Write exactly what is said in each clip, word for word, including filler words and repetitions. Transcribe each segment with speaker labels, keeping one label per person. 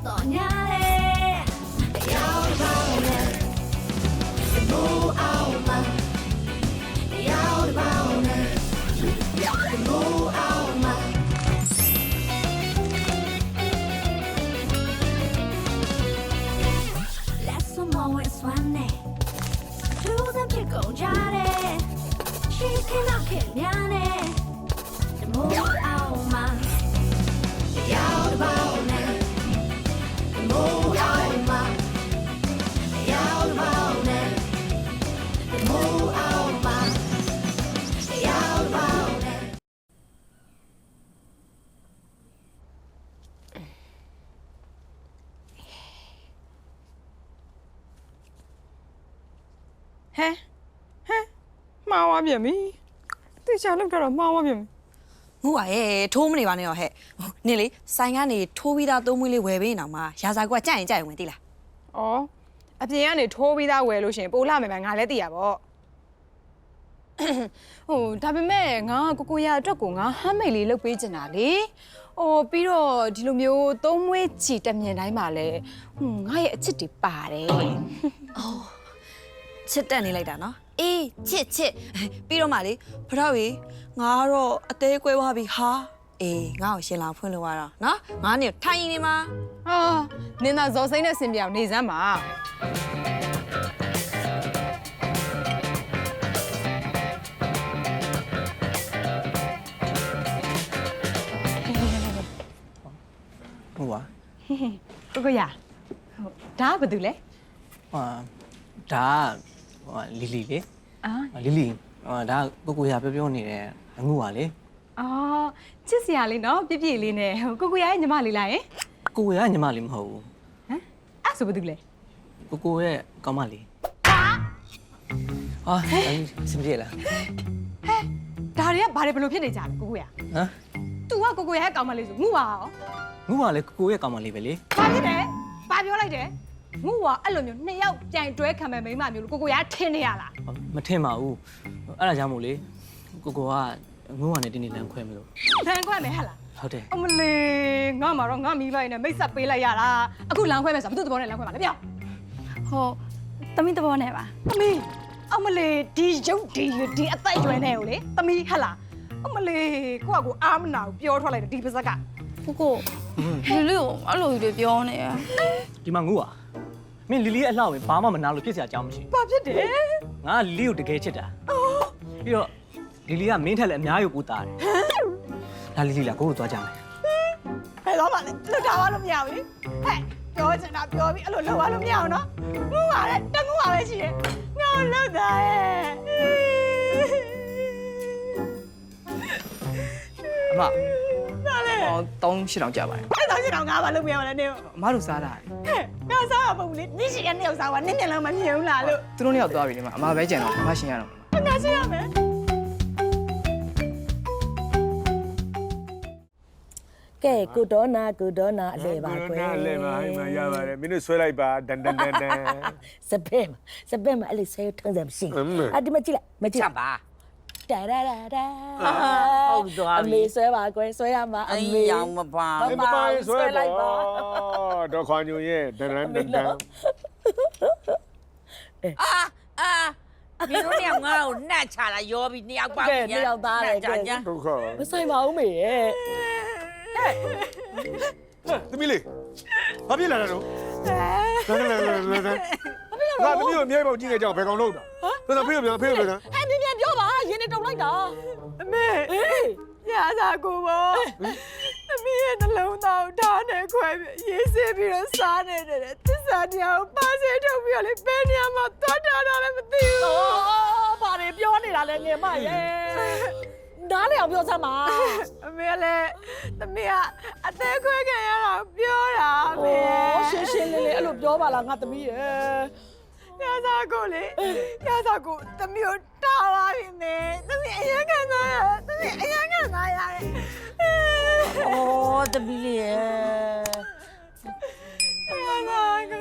Speaker 1: တော်ညာလေရောက်တော့လေမိုးအောင်မရောက်တော့လေမိုးအောင်မလက်စမောဝဲဆွမ်းနေသူတို့ဖြစ်ကုန်ကြတယ်ရှိခင်တော့ခင်များနေမိုးအောင်မရောက်တော့လေမိုးအောင်မရောက်တော့လေမိုးအောင်မရောက်တော့လေ
Speaker 2: ဟဲဟဲမှားသွားပြန်ပြီတေချာလောက်တော့မှားသွားပြန်ပြီ
Speaker 3: ငူပါရဲ့ထိုးမနေပါနဲ့တော့ဟဲ့နင်လေဆိုင်ကနေထိုးပြီးသားသုံးမွေးလေးဝယ်ပေးနေအောင်မှာရာဇာကကြိုက်ရင်ကြိုက်ဝင်သိလား
Speaker 2: ဩအပြင်ကနေထိုးပြီးသားဝယ်လို့ရှင်ပိုးလာမယ်မယ်ငါလည်းသိရပါဘောဟိုဒါပေမဲ့ငါကိုကိုရအတွက်ကိုငါဟမ်းမိတ်လေးလုပ်ပေးချင်တာလေဟိုပြီးတော့ဒီလိုမျိုးသုံးမွေးချီတက်မြင်တိုင်းမှာလဲဟွန်းငါရဲ့အချစ်တွေပါတယ်
Speaker 3: အော်ချစ်တက်နေလိုက်တာနော်အေးချစ်ချစ်ပြီးတော့မှလေဖထောက်ကြီးငါကတော့အသေးကွဲသွားပြီဟာအေးငါ့ကိုရှင်လောင်ဖွင့်လို့ရတော့နော်ငါနေထိုင်နေမှာ
Speaker 2: ဟာနင်သာဇော်စိမ့်နဲ့ဆင်ပြအောင်နေစမ်းပါ
Speaker 4: ဟုတ်ပါ
Speaker 2: ကိုကိုရဟုတ်ဒါကဘာတူလဲ
Speaker 4: ဟာဒါဟိုလီလီလေ
Speaker 2: အာ
Speaker 4: လီလီဟိုဒါကိုကိုရပြောပြောနေတယ်အငူပါလေ
Speaker 2: အော်ချစ်စရာလေးနော်ပြည့်ပြည့်လေးနဲ့ကိုကိုရရဲ့ညီမလေးလားယင်
Speaker 4: ကိုရညီမလေးမဟုတ်ဘူး
Speaker 2: ဟမ်အဲ့ဆိုဘာတူလဲ
Speaker 4: ကိုကိုရဲ့ကောင်းမလေးဟာစင်ပြေလား
Speaker 2: ဟဲ့ဒါတွေကဘာတွေဘလို့ဖြစ်နေကြလဲကိုကိုရ
Speaker 4: ဟမ်
Speaker 2: तू ကကိုကိုရရဲ့ကောင်းမလေးဆိုငူပါရော
Speaker 4: ငူပါလေကိုကိုရဲ့ကောင်းမလေးပဲလေ
Speaker 2: ဘာဖြစ်တယ်ဘာပြောလိုက်တယ်ငူကအဲ့လိုမျိုးနှစ်ယောက်ပြိုင်တွဲခံမဲ့မိန်းမမျိုးလို့ကိုကိုရထင်းနေရလား
Speaker 4: မထင်ပါဘူးအဲ့ဒါကြောင့်မို့လေကိုကိုကငူပါနဲ့တင်းနေလမ်းခွဲမလို့
Speaker 2: လမ်းခွဲမယ်ဟဲ့လား
Speaker 4: ဟုတ်တယ်
Speaker 2: အမလေးငါမှာတော့ငါမီးလိုက်နဲ့မိတ်ဆက်ပေးလိုက်ရတာအခုလမ်းခွဲမယ်ဆိုဘယ်သူသဘောနဲ့လမ်းခွဲမှာလဲပြော
Speaker 5: ဟိုသမီးသဘောနဲ့ပါ
Speaker 2: သမီးအမလေးဒီရုပ်ဒီရွဒီအသက်ရွယ်နေကိုလေသမီးဟဲ့လားအမလေးကိုကကိုအားမနာဘူးပြောထွက်လိုက်တယ်ဒီပါဇက်က
Speaker 5: ကိုကိုလူလူကိုအဲ့လိုကြီးပြောနေရ
Speaker 4: ဒီမှာငူပါမင်းလီလီရဲ့အလှဝင်ဘာမှမနာလို့ဖြစ်စရာအကြောင်းမရှိ
Speaker 2: ဘာဖြစ်တယ်
Speaker 4: ငါလီလီကိုတကယ်ချစ်တာပြီးတော့လီလီကမင်းထက်လည်းအများကြီးကိုတားတယ်ဒါလီလီလားကိုကိုသွားကြမယ်
Speaker 2: ဘယ်တော့မှလည်းလွတ်ထားလို့မရဘူးလေဟဲ့ပြောချင်တာပြောပြီးအဲ့လိုလုပ်ရလို့မရအောင်နော်ငူပါလေတငူပါပဲရှိတယ်ငါလွတ်တာရဲ့
Speaker 6: အမ
Speaker 2: ဘာလဲ
Speaker 6: ဟောတောင်းရှစ်တောင်ကြပါတယ်
Speaker 2: အဲ့တော့ရှင်းတော့ငါဘာလုပ်မရမလဲနေ
Speaker 6: အမတို့စားတာ
Speaker 2: ဟဲ့ငါစားရမဟုတ်ဘူးလေနေ့ရှိရနေ့ရောက်စားပါနေ့နေ့လောက်မမြင်ဘူးလားလို့
Speaker 6: သူတို့နှစ်ယောက်သွားပြီလေမအမပဲကြံတော့အမရှင်ရတော့
Speaker 2: ငါရှင်းရမယ်
Speaker 7: ကဲကုဒေါနာကုဒေါနာအလဲပါကွယ်
Speaker 8: အလဲပါဟိမရပါတယ်မင်းတို့ဆွဲလိုက်ပါဒန်ဒန်ဒန်ဒန်
Speaker 7: စပက်စပက်မအဲ့လေဆဲထုံးစံမရှိအဒီမကြည့်လိုက်မကြည့်
Speaker 9: ချက်ပါ
Speaker 7: တာရာရာရာ
Speaker 9: ဟုတ်သွား
Speaker 7: အ
Speaker 9: ပြီ
Speaker 7: မေဆွဲပါကွယ်ဆွဲရမှာအ
Speaker 9: အေး
Speaker 7: မေ
Speaker 9: ရောင်မပါ
Speaker 8: မပါရင်ဆွဲလိုက်ပါတော့ခွန်ညိုရဲ့ဒန်ဒန်ဒန်ဒန်
Speaker 9: အာအာဒီလိုနေငါ့ကိုနှက်ချလာရောပြီးနှစ်ယောက်ပါ
Speaker 7: ကဲနှစ်ယောက်သားတယ်ကဲ
Speaker 8: ဒုက္ခ
Speaker 7: မဆိုင်ပါဘူးမေရဲ့
Speaker 8: သမီးလေးဘာဖြစ်လာတာတော့ဒန်ဒန်ဒန်ဒန်ငါသမီးကိုအမြဲပေါက်ကြည့်နေကြအောင်ဘယ်ကောင်လုံးတာတော်တော်ဖေးပြန်ဖေးပြန်
Speaker 7: ဟဲ့မြင်မြန်ပြောပါရင်းနေတုံလိုက်တာ
Speaker 2: အမေအေးရစားကိုပေါ့သမီးရဲ့နှလုံးသားကိုဓာတ်နဲ့ခွဲပြီးရေးစေးပြီးတော့စားနေတယ်သစ္စာတရားကိုပါစေထုတ်ပြီးတော့လေဘယ်နေရာမှာသွားတာလည်းမသိဘူး
Speaker 7: အော်ဘာတွေပြောနေတာလဲငယ်မရဲ့နားလေအောင်ပြောစမ်းပါ
Speaker 2: အမေကလည်းသမီးကအသေးခွဲခံရတာပြောတာအမေ
Speaker 7: အော်ရှင်းရှင်းလေးလေးအဲ့လိုပြောပါလားငါသမီးရဲ့
Speaker 2: ရစားကိုလေရစားကိုသမီးကိုတားပါပြီမေသမီးအရင်ခံစားရသမီးအရင်ခံစားရတယ်
Speaker 9: အော်တပီးလေးရဲ့
Speaker 2: ရစားကို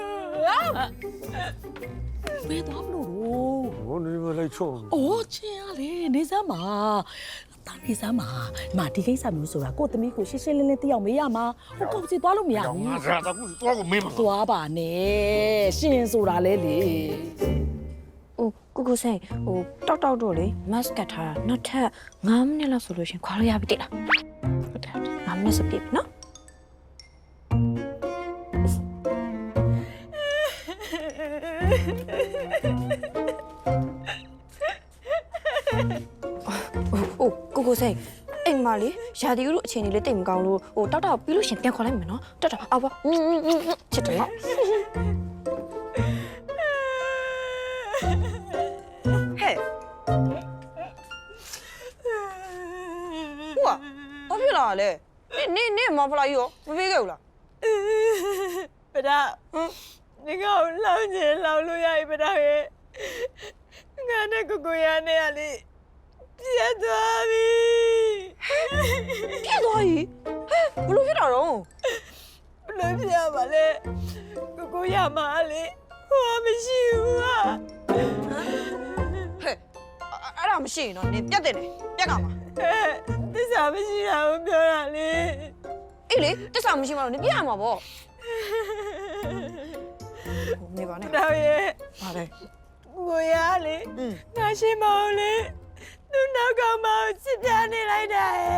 Speaker 7: ဘယ်သွားမလို့
Speaker 8: ဟိုနေမလိုက်ချုံ
Speaker 7: အိုးချင်းရလေနေစမ်းပါတာနေစမ်းမှာဒီမှာဒီကိစ္စမျိုးဆိုတာကိုသမီးကိုရှင်းရှင်းလင်းလင်းသိအောင်မေးရမှာဟိုကောက်စီသွားလို့မရဘူး
Speaker 8: ငါစားတော့ကိုသွားကိုမင်းမ
Speaker 7: သွားပါနဲ့ရှင်ဆိုတာလေလေ
Speaker 3: ဟိုကိုကိုစိန်ဟိုတောက်တောက်တော့လေမတ်ကတ်ထားတာနောက်ထပ်၅မိနစ်လောက်ဆိုလို့ရှင်ခွာလို့ရပြီတိလားဟုတ်တယ်၅မိနစ်စပြည့်နော်ဟိုကိုကိုစိန်အိမ်မလေးရာဒီဦးတို့အချိန်ကြီးလေးတိတ်မကောင်းလို့ဟိုတောက်တောက်ပြီးလို့ရှင်ပြန်ခေါ်လိုက်မယ်နော်တောက်တောက်အော်ပါချစ်တယ်နော်ဟဲ့ဟိုဘာဖြစ်လာလဲနေနေမဖလာရောမပေးခဲ့ဘူးလား
Speaker 2: ပဒါဒီကောင်လောင်းချင်လောင်းလို့ရပြီပဒါရဲ့ငါနဲ့ကိုကိုရနဲ့ကလေပြတ်သွားပြီ
Speaker 3: ပြည့်သွားပြီဟဲ့ဘလို့ဖြစ်တာတော့
Speaker 2: ဘလို့ပြရပါလဲကိုကိုရမှာလေဟိုမရှိဘူးဟာ
Speaker 3: ဟဲ့အဲ့ဒါမရှိရင်တော့နေပြတ်တယ်နေပြတ်ကမှာ
Speaker 2: သစ္စာမရှိတာကိုပြောတာလေ
Speaker 3: အေးလေတစ္ဆာမရှိမှတော့နေပြရမှာပေါ့နေပါနဲ့
Speaker 2: တော့ရဲ့
Speaker 3: ပါလေ
Speaker 2: ကိုရလေငါရှိမောင်လေသူနောက်ကမောင်ချစ်ပြနေလိုက်တာရဲ့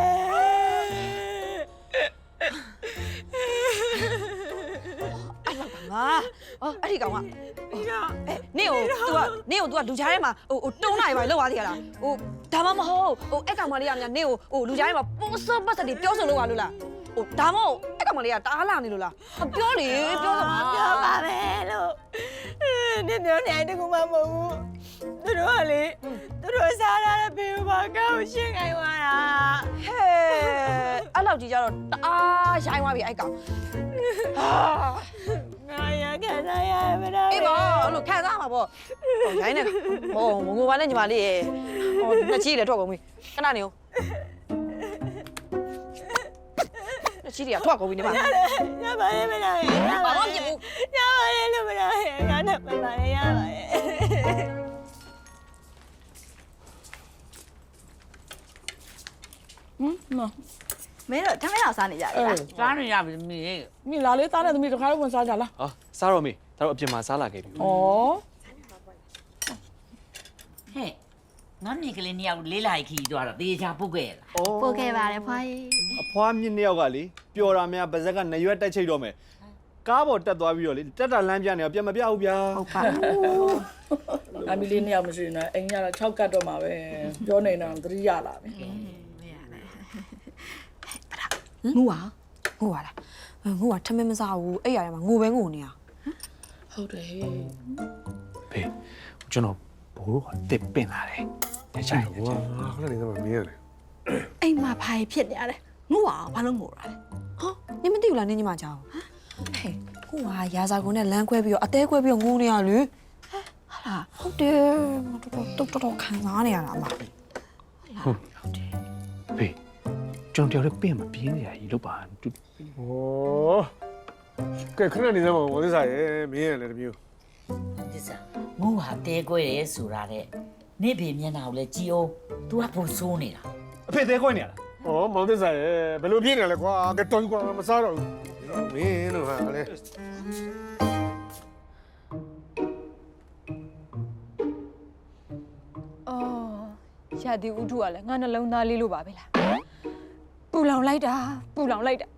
Speaker 3: အဲ့လောက်ကငါအော်အဲ့ဒီကောင်က
Speaker 2: ဒီတော့
Speaker 3: အဲနေကို तू ကနေကို तू ကလူကြားထဲမှာဟိုဟိုတုံးလိုက်ပါလောက်သွားသေးရလားဟိုဒါမှမဟုတ်ဟိုအဲ့ကောင်မလေးကများနေကိုဟိုလူကြားထဲမှာပိုးစောပတ်စတိပြောဆိုလို့ပါလို့လားဟိုဒါမှမဟုတ်အဲ့ကောင်မလေးကတားလာနေလို့လားပြောလေပြောစမ်းပါ
Speaker 2: ပြောပါမယ်လို့နေပြောနေတကူမှမဟုတ်ဘူးသူတို့ကလေသူတို့စားရတဲ့ဘေးဘာကောက်ရှင်းခိုင်းသွားတာ
Speaker 3: ဟဲ့အဲ့လောက်ကြီးကြတော့တအားရိုင်းသွားပြီအဲ့ကောင်ဟာ
Speaker 2: ငါရခံစားရမလား
Speaker 3: အေးပါအဲ့လိုခံစားမှာပေါ့ဟိုရိုင်းနေဟိုငငိုပါနဲ့ညီမလေးရေဟိုနှစ်ချီလေထွက်ကုန်ပြီခဏနေဦးနှစ်ချီတွေကထွက်ကုန်ပြီနေပါ
Speaker 2: ရပါရဲ့မလားရ
Speaker 3: ဘာမှမဖြစ်ဘူး
Speaker 2: ရပါရဲ့လို့မလားငါနဲ့မပါရဲ့ရပါရဲ့
Speaker 7: ဟမ်မ
Speaker 5: မင်းတို့ထမင်းအောင်စားနေကြတယ်လား
Speaker 9: စားနေရပြီမင်း
Speaker 7: မိလာလေးသားနဲ့သမီးတစ်ခါတော့ဝင်စားကြလား
Speaker 10: ဟာစားတော့မေဒါတော့အပြင်မှာစားလာခဲ့ပြီ
Speaker 7: ဩ
Speaker 9: ဟဲ့ငါနေကလေးနှစ်ယောက်လေးလိုက်ခီးသွားတော့တေချာပုတ်ခဲ့လား
Speaker 5: ပို့ခဲ့ပါတယ်ဖွားကြီး
Speaker 10: အဖွားမြင့်နှစ်ယောက်ကလေပျော်တာများပါဇက်ကနရွက်တက်ချိတ်တော့မယ်ကားပေါ်တက်သွားပြီးတော့လေတက်တာလမ်းပြနေတော့ပြန်မပြဘူးဗျာ
Speaker 5: ဟုတ်ပါ
Speaker 7: အမီလေးနှစ်ယောက်မရှိနေအိမ်ရတော့၆ကတ်တော့မှာပဲပြောနေတာသတိရလာပြီ
Speaker 3: ငူပါငူပါလားငူပါထမင်းမစားဘူးအဲ့ရထဲမှာငိုပဲငိုနေရ
Speaker 7: ဟုတ်တယ်ဟေး
Speaker 10: ဖေကျွန်တော်ဘိုးကတစ်ပင်လာတယ်ညချိုင်ည
Speaker 8: ဝါ
Speaker 10: ချိုင်
Speaker 8: ခဏနေတော့မင်းရတယ်
Speaker 5: အိမ်မှာဘာဖြစ်နေရလဲငို့ပါဘာလို့ငို့ရလဲ
Speaker 3: ဟောနင်မသိဘူးလားနင်ညီမကြောင်ဟဲ့ကိုကရာဇာကုန်းနဲ့လမ်းခွဲပြီးတော့အသေးခွဲပြီးတော့ငိုနေရလေဟာလားဟုတ်တယ်တော်တော်တော်တော်ခံစားနေရတာအမ
Speaker 10: ဟုတ်ဟုတ်တယ်ဖေကျွန်တော်တယောက်တည်းပင်မပြင်းနေရကြီးလို့ပါတူ
Speaker 8: ဩကဲခဏနေတော့ဝသစ္စာရဲ့မင်းရလေတမျိုး
Speaker 9: ဒီစားငိုဟာတဲကွဲတယ်ဆိုတာတဲ့နေဖေမျက်နှာကိုလည်းကြည်အောင် तू ကပုံဆိုးနေတာ
Speaker 10: အဖေသေးခွင့်နေရလား
Speaker 8: ဩမောင်သစ္စာရဲ့ဘယ်လိုပြင်းနေလဲကွာကဲတော်ကွာမစားတော့ဘူးမင်းတို့ဟာလေ
Speaker 2: အော်ရာဒီဥထုကလည်းငါနှလုံးသားလေးလို့ပါပဲလားပူလောင်လိုက်တာပူလောင်လိုက်တာ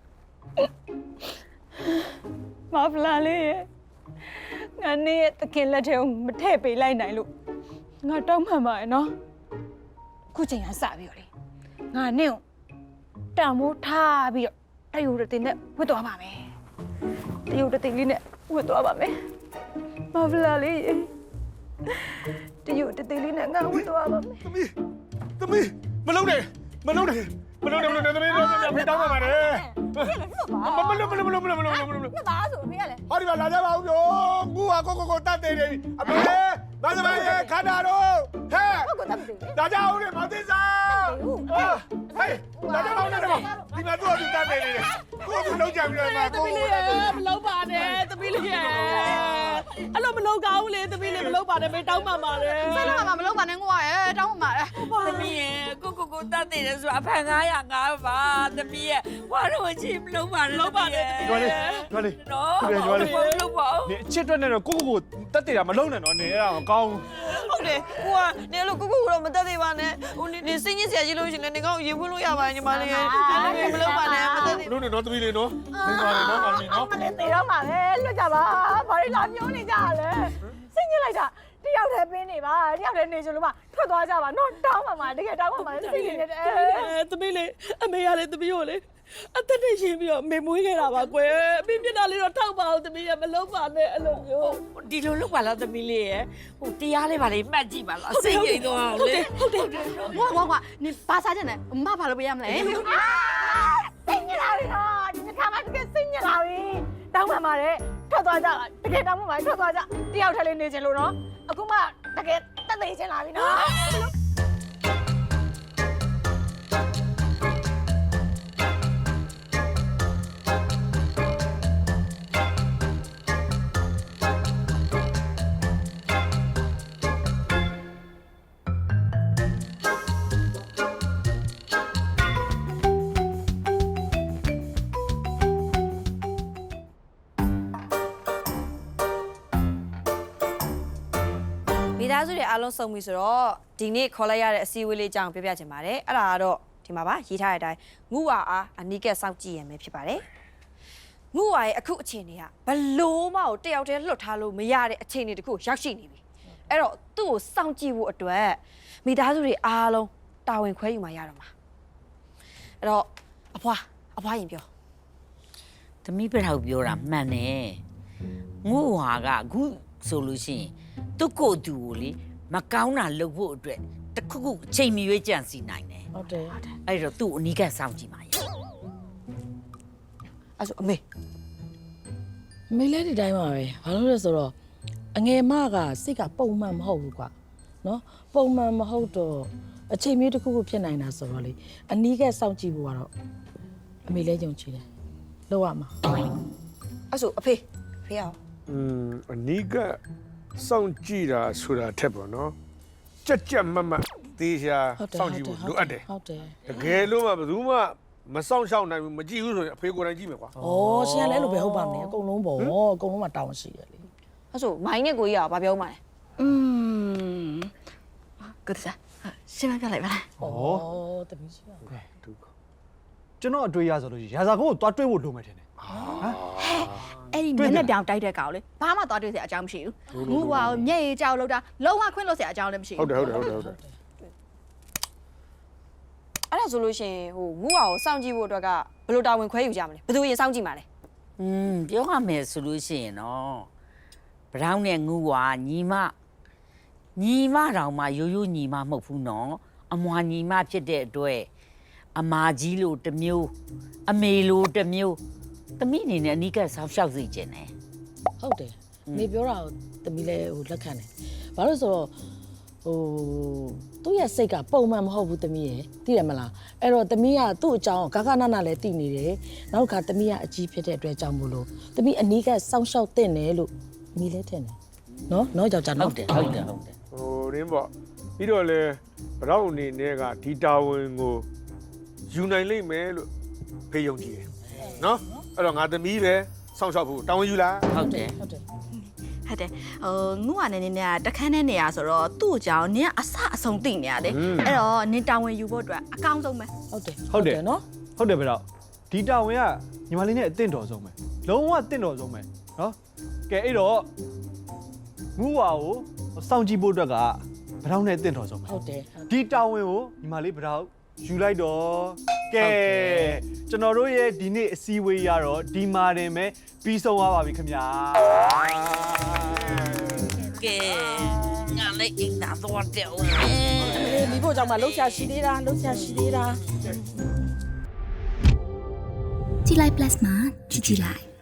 Speaker 2: မဖလာလေးရဲ့ငါနေရဲ့တခင်လက်ထဲကိုမထည့်ပေးလိုက်နိုင်လို့ငါတောင်းမှန်ပါရဲ့နော်ခုချိန်ကစပြီးတော့လေငါနင့်ကိုတံမိုးထားပြီးတော့တယူရတင်နဲ့ဝတ်သွားပါမယ်တယူရတင်လေးနဲ့ဝတ်သွားပါမယ်မဖလာလေးရဲ့တယူတသေးလေးနဲ့ငါဝတ်သွားပါမယ်
Speaker 8: သမီးသမီးမလုံးနဲ့မလုံးနဲ့မလုံးနဲ့မလုံးနဲ့သမီးတော့ဖိတောင်းပါပါတယ်မမလုံးမလုံးမလုံးမလုံးမလုံးမလုံး
Speaker 2: ပြပါဆိုဖေးရလဲ
Speaker 8: ဟောဒီမှာလာကြပါဦးပြောငူဟာကိုကိုကိုတတ်တယ်နေအမေဘာသမားရဲ့ခန္ဓာတော့ဟဲ့
Speaker 2: ဟုတ်ကဲ့တတ်ပြီ
Speaker 8: လာကြအောင်လေမောင်သစ္စာဟာဟေးလာကြအောင်လေဒီမှာတော့ဒီတတ်တယ်နေကိုကိုလုံးကြပြီးတော့မှာကိုကို
Speaker 7: မလုံးပါနဲ့သမီးလေးရဲ့အဲ့လိုမလုပ်ကောင်းလေသမီးလေးမလုပ်ပါနဲ့မေတောင်းပါပါလေ
Speaker 5: ဆဲလာမှာမလုပ်ပါနဲ့ငိုရဲတောင်းပါမှာ
Speaker 9: သမီးရဲ့ကိုကိုကိုတတ်တယ်ဆိုအဖန်ငါးရာငါးပါသမီးရဲ့ဝါတော့ချင်မလုပ်ပါနဲ့လုပ်ပါနဲ့
Speaker 8: ကျွမ်းလေးကျွမ်းလေး
Speaker 9: နော်
Speaker 8: ကျွမ်းလေး
Speaker 9: လုပ်ပါဦး
Speaker 8: နေအချစ်အတွက်နဲ့တော့ကိုကိုကိုတက်တည်တာမလုံးနဲ့နော်နေအဲ့ဒါမကောင်း
Speaker 3: ဟုတ်တယ်ကိုကနေလို့ကိုကိုကတော့မတက်သေးပါနဲ့ဟိုနေနေစိတ်ညစ်စရာကြီးလို့ရှင်လည်းနေကောင်းရေဖွင့်လို့ရပါတယ်ညီမလေးမလုပ်ပါနဲ့မတက်သေး
Speaker 8: ဘူးလုံးနဲ့နော်သမီးလေးနော်နေပါလေနော်ကောင်လေးနော်
Speaker 2: မလေးသေးတော့မှာပဲလွတ်ကြပါဘာလို့လာပြောနေကြရလဲစိတ်ညစ်လိုက်တာတယောက်တည်းပင်းနေပါတယောက်တည်းနေချင်လို့မှထွက်သွားကြပါနော်တောင်းပါမှာတကယ်တောင်းပါမှာစိတ်ညစ်နေတယ်
Speaker 7: အဲသမီးလေးအမေရလေသမီးကိုလေအသက်နဲ့ရှင်ပြီးတော့မေမွေးခဲ့တာပါကွယ်အမေမျက်နှာလေးတော့ထောက်ပါအောင်သမီးရမလုပ်ပါနဲ့အဲ့လိုမျိုး
Speaker 9: ဒီလိုလုပ်ပါလားသမီးလေးရဲ့ဟိုတရားလေးပါလေမှတ်ကြည့်ပါလားစိတ်ငြိမ်သွားအောင်လေ
Speaker 5: ဟုတ်တယ်ဝါဝါဝါနေဘာစားကြနေအမဘာလို့ပေးရမလဲ
Speaker 2: စိတ်ညစ်လာပြီနော်ဒီခါမှတကယ်စိတ်ညစ်လာပြီတောင်းပါမှာတဲ့ထွက်သွားကြတကယ်တောင်းပါမှာထွက်သွားကြတယောက်တည်းလေးနေချင်လို့နော်အခုမှတကယ်တက်သိချင်လာပြီနော်
Speaker 3: မိသားစုတွေအားလုံးစုံပြီဆိုတော့ဒီနေ့ခေါ်လိုက်ရတဲ့အစည်းအဝေးလေးအကြောင်းပြောပြချင်ပါတယ်အဲ့ဒါကတော့ဒီမှာပါရေးထားတဲ့အတိုင်းငူဝါအားအနီးကပ်စောင့်ကြည့်ရမယ်ဖြစ်ပါတယ်ငူဝါရဲ့အခုအခြေအနေကဘလို့မှကိုတယောက်တည်းလွတ်ထားလို့မရတဲ့အခြေအနေတခုရောက်ရှိနေပြီအဲ့တော့သူ့ကိုစောင့်ကြည့်ဖို့အတွက်မိသားစုတွေအားလုံးတာဝန်ခွဲယူမှရတော့မှာအဲ့တော့အဖွားအဖွားရင်ပြော
Speaker 9: သမီးပြထောက်ပြောတာမှန်တယ်ငို့ဟာကအခုဆိုလို့ရှိရင်သူ့ကိုယ်သူကိုလေမကောင်းတာလုပ်ဖို့အတွက်တခုခုအချိန်မီရွေးကြံစီနိုင်တယ်
Speaker 7: ဟုတ်တယ်
Speaker 9: အဲ့တော့သူ့အနီးကစောင့်ကြည့်ပါရဲ့
Speaker 3: အဲ့ဆိုအမေ
Speaker 7: မေလဲဒီတိုင်းပါပဲဘာလို့လဲဆိုတော့အငယ်မကစိတ်ကပုံမှန်မဟုတ်ဘူးကွာနော်ပုံမှန်မဟုတ်တော့အချိန်မျိုးတစ်ခုခုဖြစ်နိုင်တာဆိုတော့လေအနီးကစောင့်ကြည့်ဖို့ကတော့အမေလဲယုံကြည်တယ်လောက်ရမှာ
Speaker 3: အဲ့ဆိုအဖေအဖေအောင်
Speaker 8: อืมအနီးကစောင့်ကြည့်တာဆိုတာထက်ပေါ့နော်ကြက်ကြက်မတ်မတ်သေးရှာစောင့်ကြည့်ဖို့လိုအပ်တယ်
Speaker 7: ဟုတ်တယ်
Speaker 8: တကယ်လို့မှဘယ်သူမှမစောင့်ရှောက်နိုင်ဘူးမကြည့်ဘူးဆိုရင်အဖေကိုယ်တိုင်ကြည့်မယ်ကွာ
Speaker 7: ဩရှင်ကလည်းအဲ့လိုပဲဟုတ်ပါမလဲအကုန်လုံးပေါ့အကုန်လုံးမှာတောင်းရှိတယ်လေ
Speaker 3: အဲ့ဆိုမိုင်းနဲ့ကိုကြီးကဘာပြောမှလဲ
Speaker 5: อืมကိုတစားရှင်းမပြလိုက်ပါလား
Speaker 7: ဩတမီးရှိပါ
Speaker 10: ကျွန်တော်အတွေ့ရဆိုလို့ရာဇာကိုသွားတွေ့ဖို့လိုမယ်ထင်တယ်
Speaker 5: အဲ့ဒီမျက်နှာပြောင်တိုက်တဲ့ကောင်လေဘာမှသွားတွေ့စရာအကြောင်းမရှိဘူးငူဝါမျက်ရည်ကြောက်လို့တာလုံးဝခွင့်လို့စရာအကြောင်းလည်းမရှိ
Speaker 8: ဟု
Speaker 5: ဘူး
Speaker 8: တ်တယ်ဟုတ်တယ်ဟုတ်တယ်ဟုတ်တယ်
Speaker 3: အဲ့ဒါဆိုလို့ရှိရင်ဟိုငူအောင်စောင့်ကြည့်ဖို့အတွက်ကဘယ်လိုတာဝန်ခွဲယူကြမလဲဘယ်သူရင်စောင့်ကြည့်မှာလဲ
Speaker 9: อืมပြောရမယ်ဆိုလို့ရှိရင်တော့ဘရောင်းနဲ့ငူဝါညီမညီမတောင်မှရိုးရိုးညီမမဟုတ်ဘူးနော်အမွာညီမဖြစ်တဲ့အတွက်အမာကြီးလို့တစ်မျိုးအမေလို့တစ်မျိုးသမီးအနေနဲ့အနီးကပ်ဆောက်ရှောက်စီခြင်းတယ်
Speaker 7: ဟုတ်တယ်နေပြောတာကိုတမီးလဲဟိုလက်ခံတယ်ဘာလို့ဆိုတော့ဟိုသူ့ရဲ့စိတ်ကပုံမှန်မဟုတ်ဘူးတမီးရယ်သိတယ်မလားအဲ့တော့တမီးကသူ့အကြောင်းဂဂနနလည်းသိနေတယ်နောက်ခါတမီးကအကြီးဖြစ်တဲ့အတွက်ကြောင့်မို့လို့တမီးအနီးကစောင့်ရှောက်တဲ့နယ်လို့မီးလဲထင်တယ်နော်နော်ကြောက်ကြ
Speaker 9: ဟု
Speaker 7: နော်
Speaker 9: တ်တယ်ဟုတ်တယ်ဟုတ်တယ်
Speaker 8: ဟိုရင်းပေါ့ပြီးတော့လေဘရောက်အနေနဲ့ကဒီတာဝန်ကိုယူနိုင်လိမ့်မယ်လို့ဖေးယုံကြည်တယ်နော်အဲ့တော့ငါသမီးပဲစောင့်ရှောက်ဖို့တာဝန်ယူလား
Speaker 9: ဟုတ်တယ်
Speaker 7: ဟုတ်တယ်
Speaker 5: ဟုတ်တယ်ဟိုငူဝါနဲ့နေနေကတခန်းနဲ့နေရဆိုတော့သူ့အကြောင်းနင်ကအဆအဆုံးသိနေရတယ်အဲ့တော့နင်တာဝန်ယူဖို့အတွက်အကောင်းဆုံးပဲ
Speaker 7: ဟုတ်တယ်
Speaker 10: ဟုတ်တယ်
Speaker 7: နော်
Speaker 10: ဟုတ်တယ်ဗျတော့ဒီတာဝန်ကညီမလေးနဲ့အသင့်တော်ဆုံးပဲလုံးဝအသင့်တော်ဆုံးပဲနော်ကဲအဲ့တော့ငူဝါကိုစောင့်ကြည့်ဖို့အတွက်ကဘရောင်းနဲ့အသင့်တော်ဆုံးပဲ
Speaker 7: ဟုတ်တယ်
Speaker 10: ဒီတာဝန်ကိုညီမလေးဘရောင်းယူလိုက်တော့ကဲကျွန်တော်တို့ရဲ့ဒီနေ့အစည်းအဝေးရတော့ဒီမာတင်ပဲပြီးဆုံးသွားပါပြီခင်ဗျာ
Speaker 9: ကဲငါလည်းအိမ်သာသွားတယ်ဦး
Speaker 7: အေးဒီဖို့ကြောင့်မလှုပ်ရှားရှိသေးတာလှုပ်ရှားရှိသေးတာ
Speaker 1: ကြည်လိုက် plus မှာကြည်ကြည်လိုက်